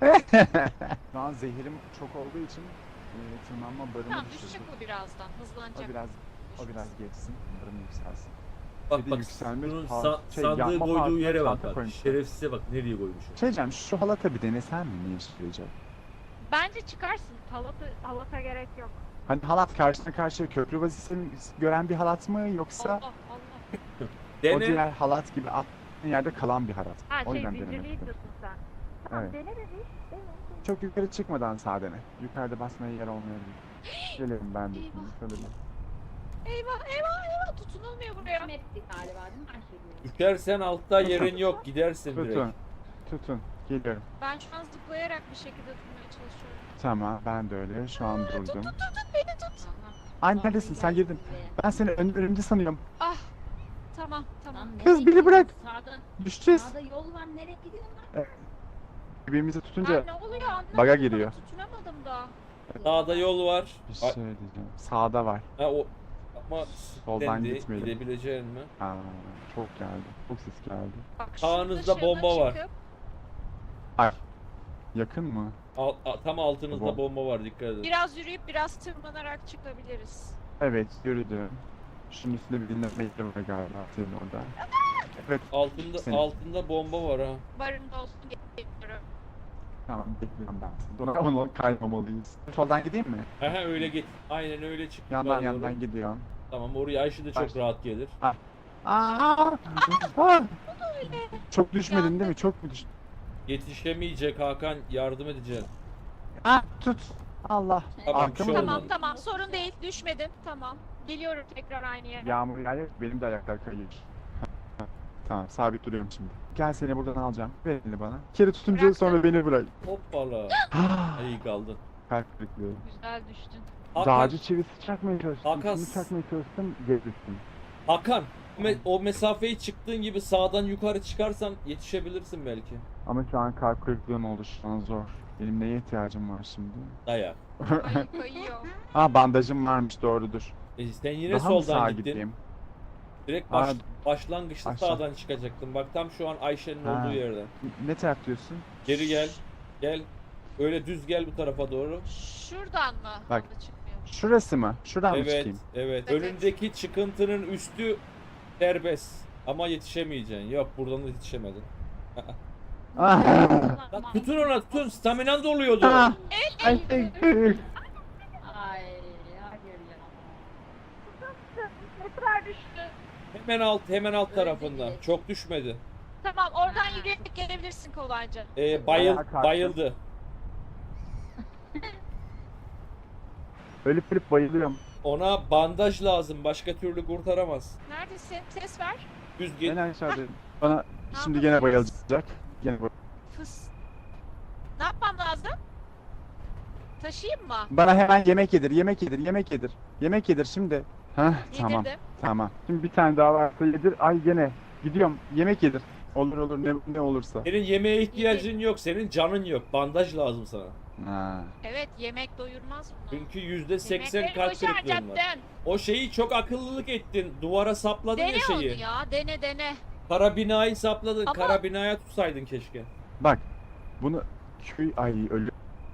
Speaker 2: Şu an zehirim çok olduğu için e, tırmanma barımı
Speaker 7: Tamam
Speaker 2: düşürdüm.
Speaker 7: düşecek o birazdan. Hızlanacak.
Speaker 2: O biraz o biraz geçsin. Barım yükselsin. Bir
Speaker 1: Bak
Speaker 2: de
Speaker 1: bak
Speaker 2: yükselmiş
Speaker 1: bunun
Speaker 2: par-
Speaker 1: sa-
Speaker 2: şey,
Speaker 1: sandığı
Speaker 2: yapma
Speaker 1: koyduğu
Speaker 2: parkına
Speaker 1: yere bak
Speaker 2: çanta
Speaker 1: bak.
Speaker 2: koymuş.
Speaker 1: Şerefsize bak nereye koymuş.
Speaker 2: Şey diyeceğim şu halata bir denesen mi ne işe yarayacak?
Speaker 7: Bence çıkarsın.
Speaker 6: Halata, halata gerek yok.
Speaker 2: Hani halat karşına karşıya köprü vazifesini gören bir halat mı yoksa
Speaker 7: Allah Allah.
Speaker 2: o
Speaker 1: Dene.
Speaker 2: diğer halat gibi attığın yerde kalan bir halat?
Speaker 6: Ha
Speaker 2: O
Speaker 6: şey
Speaker 2: yüzden denemek
Speaker 6: zincirliği
Speaker 2: istedim.
Speaker 6: diyorsun sen. Tamam
Speaker 2: Evet.
Speaker 6: dene de bir. Dene.
Speaker 2: Çok yukarı çıkmadan sağ dene. Yukarıda basmaya yer olmayabilir. Gelirim ben de
Speaker 7: Eyvah.
Speaker 2: şimdi şöyle bir.
Speaker 7: Eyvah eyvah eyvah tutunulmuyor buraya.
Speaker 3: Kim etti galiba değil mi Ayşegül?
Speaker 1: Düşersen altta yerin yok gidersin
Speaker 2: Tutun.
Speaker 1: direkt.
Speaker 2: Tutun. Geliyorum.
Speaker 7: Ben şu an zıplayarak bir şekilde tutmaya çalışıyorum.
Speaker 2: Tamam ben de öyle. Şu an
Speaker 7: Tut tut
Speaker 2: durdum.
Speaker 7: tut tut beni tut.
Speaker 3: Aha.
Speaker 2: Ay
Speaker 3: Vallahi
Speaker 2: neredesin sen
Speaker 3: geldi
Speaker 2: girdin.
Speaker 3: zirveye.
Speaker 2: Ben seni ön, önümde sanıyorum.
Speaker 7: Ah. Tamam tamam.
Speaker 3: Lan
Speaker 2: Kız,
Speaker 3: nereye
Speaker 2: beni bırak.
Speaker 3: gidiyorsun? Sağda,
Speaker 2: Düşeceğiz.
Speaker 3: sağda yol var nereye gidiyorsun lan?
Speaker 2: Birbirimizi
Speaker 7: Ha,
Speaker 2: tutunca
Speaker 7: ne oluyor anlamadım.
Speaker 2: baga
Speaker 7: daha,
Speaker 2: giriyor.
Speaker 7: Tutunamadım daha.
Speaker 1: Sağda yol var.
Speaker 2: bir şey diyeceğim. Sağda var.
Speaker 1: Ha o ama
Speaker 2: Soldan
Speaker 1: dendi,
Speaker 2: gitmeyelim.
Speaker 1: gidebileceğin mi?
Speaker 2: Aa, çok geldi. Çok ses geldi.
Speaker 7: Bak
Speaker 1: Sağınızda
Speaker 7: şurada
Speaker 1: bomba var.
Speaker 7: çıkıp-
Speaker 2: Ay. Yakın mı?
Speaker 1: Al- a- tam altınızda
Speaker 2: Bom-
Speaker 1: bomba var dikkat edin.
Speaker 7: Biraz yürüyüp biraz tırmanarak çıkabiliriz.
Speaker 2: Evet yürüdüm. Şunun üstünde bir dinleme yeri var galiba senin orada. Evet
Speaker 1: Altında
Speaker 2: Senin.
Speaker 1: altında bomba var ha.
Speaker 7: Barında olsun geliyorum.
Speaker 2: tamam bekliyorum ben seni. Ona, ona kaymamalıyız. Soldan gideyim mi?
Speaker 1: Aha öyle git. Aynen öyle çık.
Speaker 2: Yandan
Speaker 1: yukarı
Speaker 2: yandan
Speaker 1: doğru.
Speaker 2: gidiyorum.
Speaker 1: Tamam oraya Ayşe de çok
Speaker 2: Başla.
Speaker 1: rahat gelir.
Speaker 2: Aa! Aa! Çok düşmedin değil mi? Çok mu düştün?
Speaker 1: Yetişemeyecek Hakan yardım edeceğim.
Speaker 2: Ah tut. Allah.
Speaker 1: Tamam,
Speaker 2: Arkamı
Speaker 1: bir şey
Speaker 2: döndüm.
Speaker 7: Tamam
Speaker 1: olmadı.
Speaker 7: tamam sorun değil düşmedim tamam. Geliyorum tekrar aynı yere.
Speaker 2: Yağmur yağıyor. Benim de ayaklar kayıyor. Tamam sabit duruyorum şimdi. Gel seni buradan alacağım. Ver elini bana. Bir kere tutunca
Speaker 7: Bıraktım.
Speaker 2: sonra beni bırak.
Speaker 1: Hoppala.
Speaker 2: Ah,
Speaker 1: İyi kaldı.
Speaker 2: Kalp kırıklığı.
Speaker 7: Güzel düştün.
Speaker 1: Hakan,
Speaker 2: Dağcı çivisi çakmaya çalıştım.
Speaker 1: Hakan-
Speaker 2: Kimi çakmaya çalıştım. Geri düştüm.
Speaker 1: Hakan me- o mesafeyi çıktığın gibi sağdan yukarı çıkarsan yetişebilirsin belki.
Speaker 2: Ama şu an kalp kırıklığım oldu. Şu an zor. Benim neye ihtiyacım var şimdi?
Speaker 1: Dayak.
Speaker 7: Ay kayıyor.
Speaker 2: Aa bandajım varmış doğrudur.
Speaker 1: E sen yine
Speaker 2: Daha mı sağa
Speaker 1: soldan gittin.
Speaker 2: gideyim?
Speaker 1: Direkt baş,
Speaker 2: Aa,
Speaker 1: başlangıçta
Speaker 2: aşağı.
Speaker 1: sağdan çıkacaktın. Bak tam şu an Ayşe'nin
Speaker 2: Ha.
Speaker 1: olduğu yerden.
Speaker 2: Ne taraf diyorsun?
Speaker 1: Geri gel. Gel. Öyle düz gel bu tarafa doğru.
Speaker 7: Şuradan mı?
Speaker 2: Bak.
Speaker 7: Onda çıkmıyor.
Speaker 2: Şurası mı? Şuradan mı
Speaker 1: Evet,
Speaker 2: çıkayım?
Speaker 1: evet.
Speaker 7: Evet.
Speaker 1: Önündeki çıkıntının üstü serbest. Ama yetişemeyeceksin. Yok buradan da yetişemedin.
Speaker 2: Ah.
Speaker 1: Lan tutun ona tutun. Staminan doluyordu.
Speaker 2: Ah. Ay,
Speaker 3: Ay
Speaker 2: ay.
Speaker 3: hayır ya.
Speaker 6: Sniper düştü.
Speaker 1: Hemen alt hemen alt
Speaker 3: Öldü
Speaker 1: tarafında.
Speaker 3: direkt.
Speaker 1: Çok düşmedi.
Speaker 7: Tamam oradan
Speaker 3: Ha.
Speaker 7: yürüyerek gelebilirsin kolayca.
Speaker 1: Ee, bayıl
Speaker 2: Ayağa kalktım.
Speaker 1: bayıldı.
Speaker 2: Ölüp ölüp bayılıyorum.
Speaker 1: Ona bandaj lazım. Başka türlü kurtaramaz.
Speaker 7: Neredesin? Ses ver.
Speaker 1: Düz
Speaker 2: En
Speaker 1: git.
Speaker 2: aşağıdayım. Bana şimdi
Speaker 7: yapacağız?
Speaker 2: gene bayılacak. Gene bay-
Speaker 7: Fıs. Ne yapmam lazım? Taşıyayım mı?
Speaker 2: Bana hemen yemek yedir, yemek yedir, yemek yedir. Yemek yedir şimdi. Heh, tamam.
Speaker 7: Yedirdim.
Speaker 2: Tamam. Şimdi bir tane daha varsa yedir. Ay gene. Gidiyorum. Yemek yedir. Olur olur ne, ne olursa.
Speaker 1: Senin yemeğe ihtiyacın yok. Senin canın yok. Bandaj lazım sana.
Speaker 2: Ha.
Speaker 7: Evet yemek doyurmaz mı?
Speaker 1: Çünkü yüzde seksen
Speaker 7: Yemekleri
Speaker 1: kalp kırıklığın var.
Speaker 7: boşaracaktın.
Speaker 1: O şeyi çok akıllılık ettin. Duvara sapladın
Speaker 7: Dene
Speaker 1: ya
Speaker 7: onu
Speaker 1: şeyi.
Speaker 7: ya. Dene dene.
Speaker 1: Kara binayı sapladın.
Speaker 7: Ama-
Speaker 1: Kara binaya tutsaydın keşke.
Speaker 2: Bak. Bunu köy ay ölü.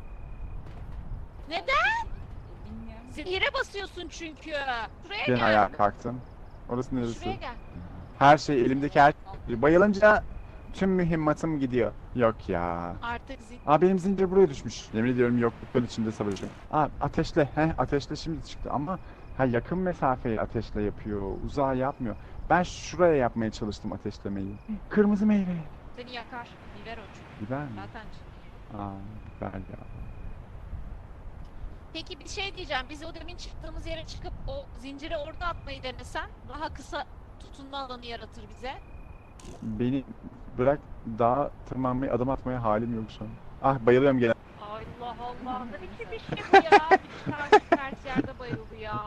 Speaker 7: Neden?
Speaker 3: Bilmiyorum.
Speaker 7: Zehire basıyorsun çünkü. Şuraya
Speaker 2: Gene
Speaker 7: gel.
Speaker 2: ayağa kalktım. Orası neresi?
Speaker 7: Şuraya gel.
Speaker 2: Her şey elimdeki her bayılınca tüm mühimmatım gidiyor. Yok ya.
Speaker 7: Artık zil.
Speaker 2: Aa benim zincir buraya düşmüş. Yemin ediyorum yokluktan içinde savaşıyorum. Aa ateşle. Heh ateşle şimdi çıktı ama ha yakın mesafeyi ateşle yapıyor. Uzağa yapmıyor. Ben şuraya yapmaya çalıştım ateşlemeyi. Kırmızı meyve.
Speaker 7: Seni yakar. Biber o çünkü.
Speaker 2: Biber mi?
Speaker 7: Zaten.
Speaker 2: Aa biber ya.
Speaker 7: Peki bir şey diyeceğim. Biz o demin çıktığımız yere çıkıp o zinciri orada atmayı denesen daha kısa tutunma alanı yaratır bize.
Speaker 2: Beni bırak daha tırmanmayı adım atmaya halim yok şu an. Ah bayılıyorum gene.
Speaker 7: Allah Allah. Ne biçim bir şey bu ya? Bir tane ters yerde bayıldı ya.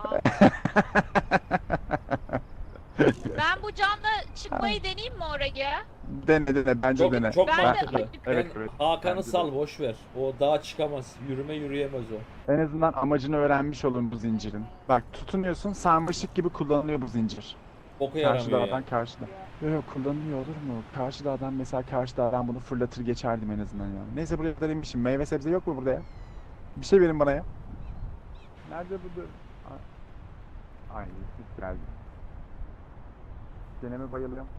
Speaker 7: Ben bu canla çıkmayı deneyeyim mi oraya?
Speaker 2: Dene dene bence
Speaker 1: Çok,
Speaker 2: dene.
Speaker 1: çok
Speaker 7: Ben de
Speaker 1: mantıklı.
Speaker 7: acıktım.
Speaker 1: Ben
Speaker 2: Evet, evet.
Speaker 1: Hakan'ı
Speaker 2: Bence de.
Speaker 1: sal boş ver. O dağa çıkamaz. Yürüme yürüyemez o.
Speaker 2: En azından amacını öğrenmiş olun bu zincirin. Bak tutunuyorsun sarmaşık gibi kullanılıyor bu zincir.
Speaker 1: Boka
Speaker 2: Karşı
Speaker 1: yaramıyor
Speaker 2: dağdan
Speaker 1: ya.
Speaker 2: karşıda. Yok yok kullanılıyor olur mu? Karşı dağdan mesela karşı dağdan bunu fırlatır geçerdim en azından ya. Neyse buraya kadar inmişim. Meyve sebze yok mu burada ya? Bir şey verin bana ya. Nerede bu? Ay sis geldi. Gene mi bayılıyorum?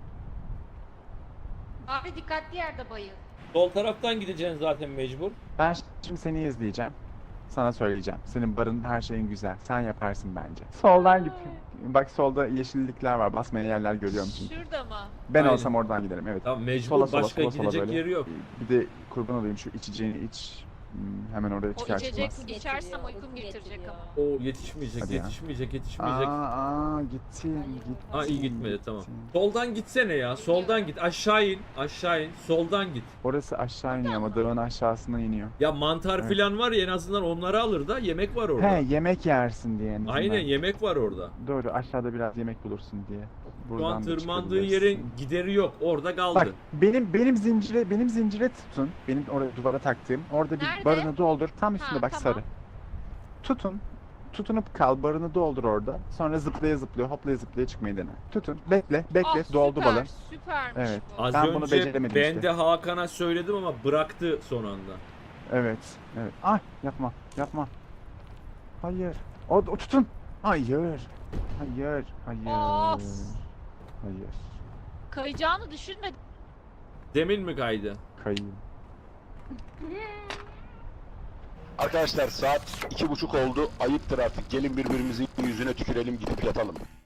Speaker 3: Abi dikkatli yerde bayıl.
Speaker 1: Sol taraftan gideceksin zaten mecbur.
Speaker 2: Ben şimdi seni izleyeceğim. Sana söyleyeceğim. Senin barın her şeyin güzel. Sen yaparsın bence. Soldan git. Bak solda yeşillikler var. Basmayan yerler görüyorum çünkü.
Speaker 7: Şurada mı?
Speaker 2: Ben
Speaker 1: Aynen.
Speaker 2: olsam oradan giderim evet.
Speaker 1: Tamam mecbur.
Speaker 2: Sola, sola,
Speaker 1: Başka
Speaker 2: sola, sola
Speaker 1: gidecek
Speaker 2: böyle.
Speaker 1: yeri yok.
Speaker 2: Bir de kurban olayım şu içeceğini iç. Hmm, hemen oraya
Speaker 7: O
Speaker 2: çıkar
Speaker 7: içecek
Speaker 2: çıkmaz.
Speaker 7: içersem
Speaker 3: Getiriyor,
Speaker 7: uykum
Speaker 3: uyku
Speaker 7: getirecek
Speaker 3: getiriyor.
Speaker 7: ama.
Speaker 1: O yetişmeyecek,
Speaker 2: Hadi ya.
Speaker 1: yetişmeyecek,
Speaker 2: Aa,
Speaker 1: yetişmeyecek.
Speaker 2: aa gittim gittim.
Speaker 1: Ha iyi gitmedi tamam.
Speaker 2: gittim.
Speaker 1: Soldan gitsene ya. Soldan git. Aşağı in. Aşağı in. Soldan git.
Speaker 2: Orası aşağı iniyor ama dağın aşağısına iniyor.
Speaker 1: Ya mantar
Speaker 2: Evet.
Speaker 1: filan var ya en azından onları alır da yemek var orada.
Speaker 2: He yemek yersin diye en azından.
Speaker 1: Aynen yemek var orada.
Speaker 2: Doğru aşağıda biraz yemek bulursun diye.
Speaker 1: Şu an
Speaker 2: da
Speaker 1: tırmandığı
Speaker 2: çıkabilirsin.
Speaker 1: yerin gideri yok. Orada kaldı.
Speaker 2: Bak benim benim zincire benim zincire tutun. Benim oraya duvara taktığım. Orada bir
Speaker 7: Nerede?
Speaker 2: barını doldur. Tam üstünde
Speaker 7: Ha,
Speaker 2: bak
Speaker 7: tamam.
Speaker 2: sarı. Tutun. Tutunup kal. Barını doldur orada. Sonra zıplaya zıplaya hoplaya zıplaya çıkmayı dene. Tutun. Bekle. Bekle.
Speaker 7: Ah,
Speaker 2: doldu
Speaker 7: süper,
Speaker 2: balın.
Speaker 7: Süpermiş
Speaker 2: Evet.
Speaker 7: bu.
Speaker 1: Az
Speaker 2: Ben bunu
Speaker 1: önce
Speaker 2: beceremedim
Speaker 1: ben
Speaker 2: işte.
Speaker 1: de Hakan'a söyledim ama bıraktı son anda.
Speaker 2: Evet. Evet. Ay yapma. Yapma. Hayır. O, o tutun. Hayır. Hayır. Hayır.
Speaker 7: Of.
Speaker 2: Hayır.
Speaker 7: Kayacağını düşünmedim.
Speaker 1: Demin mi kaydı?
Speaker 2: Kayayım.
Speaker 8: Arkadaşlar saat iki buçuk oldu. Ayıptır artık. Gelin birbirimizin yüzüne tükürelim gidip yatalım.